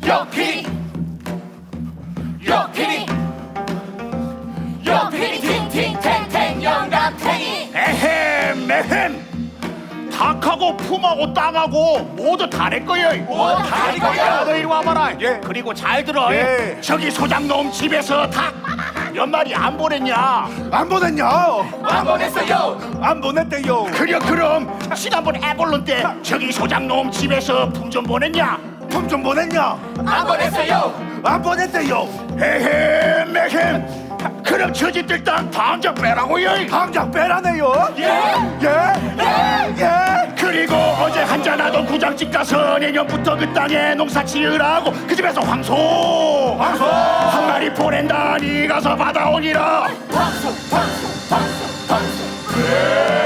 옆필이 팅팅탱탱 영감탱이. 에헴 닭하고 품하고 땅하고 모두 다 내 거야. 모두 다내 거야. 너 이리 와봐라. 예. 그리고 잘 들어. 예. 저기 소장놈 집에서 닭 몇 마리 안 보냈냐? 안 보냈냐? 안 보냈어요. 안 보냈대요. 그럼 지난번 애벌론 때 저기 소장놈 집에서 품 좀 보냈냐? 품 좀 보냈냐? 안 보냈어요. 안 보냈대요. 에헴 그럼 저 집들 땅 당장 빼라고요. 당장 빼라네요. 예. 예. 그리고 어제 한잔하던 구장집 가서 내년부터 그 땅에 농사 지으라고 그 집에서 황소 한 마리 보낸다니 가서 받아오니라. 황소.